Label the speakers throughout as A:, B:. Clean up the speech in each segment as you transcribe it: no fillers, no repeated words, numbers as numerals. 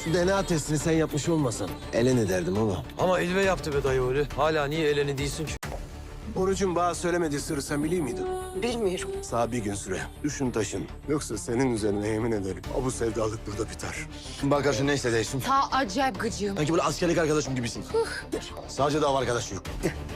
A: Şu DNA testini sen yapmış olmasan Elen ederdim ama.
B: Ama Elve yaptı be dayı öyle. Hala niye Elen'i değilsin ki?
A: Orucun bana söylemediği sırrı sen biliyor muydun?
C: Bilmiyorum.
A: Sağ bir gün süre. Düşün taşın. Yoksa senin üzerine yemin ederim. Bu sevdalık burada biter. Bak karşı ne hissediyorsun?
C: Ta acayip gıcığım.
A: Sanki böyle askerlik arkadaşım gibisin. Sadece dava arkadaşı yok.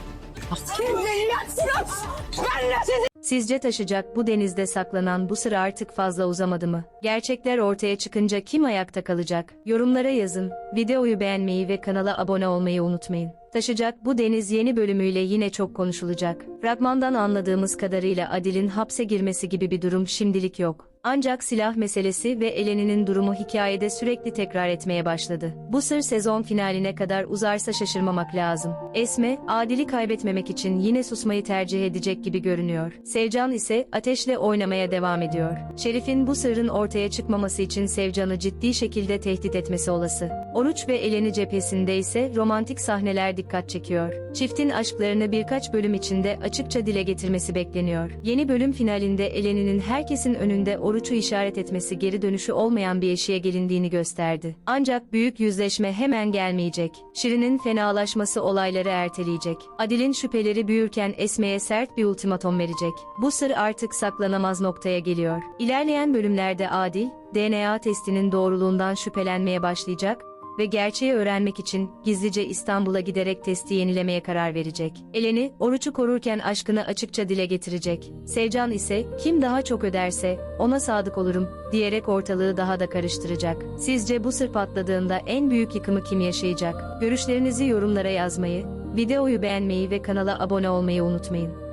D: Sizce taşacak bu denizde saklanan bu sır artık fazla uzamadı mı? Gerçekler ortaya çıkınca kim ayakta kalacak? Yorumlara yazın, videoyu beğenmeyi ve kanala abone olmayı unutmayın. Taşacak bu deniz yeni bölümüyle yine çok konuşulacak. Fragmandan anladığımız kadarıyla Adil'in hapse girmesi gibi bir durum şimdilik yok. Ancak silah meselesi ve Eleni'nin durumu hikayede sürekli tekrar etmeye başladı. Bu sır sezon finaline kadar uzarsa şaşırmamak lazım. Esme, Adil'i kaybetmemek için yine susmayı tercih edecek gibi görünüyor. Sevcan ise ateşle oynamaya devam ediyor. Şerif'in bu sırrın ortaya çıkmaması için Sevcan'ı ciddi şekilde tehdit etmesi olası. Oruç ve Eleni cephesinde ise romantik sahneler dikkat çekiyor. Çiftin aşklarını birkaç bölüm içinde açıkça dile getirmesi bekleniyor. Yeni bölüm finalinde Eleni'nin herkesin önünde Oruç'u işaret etmesi geri dönüşü olmayan bir eşiğe gelindiğini gösterdi. Ancak büyük yüzleşme hemen gelmeyecek. Şirin'in fenalaşması olayları erteleyecek. Adil'in şüpheleri büyürken Esme'ye sert bir ultimatom verecek. Bu sır artık saklanamaz noktaya geliyor. İlerleyen bölümlerde Adil, DNA testinin doğruluğundan şüphelenmeye başlayacak ve gerçeği öğrenmek için gizlice İstanbul'a giderek testi yenilemeye karar verecek. Eleni, Oruç'u korurken aşkını açıkça dile getirecek. Sevcan ise, kim daha çok öderse, ona sadık olurum, diyerek ortalığı daha da karıştıracak. Sizce bu sır patladığında en büyük yıkımı kim yaşayacak? Görüşlerinizi yorumlara yazmayı, videoyu beğenmeyi ve kanala abone olmayı unutmayın.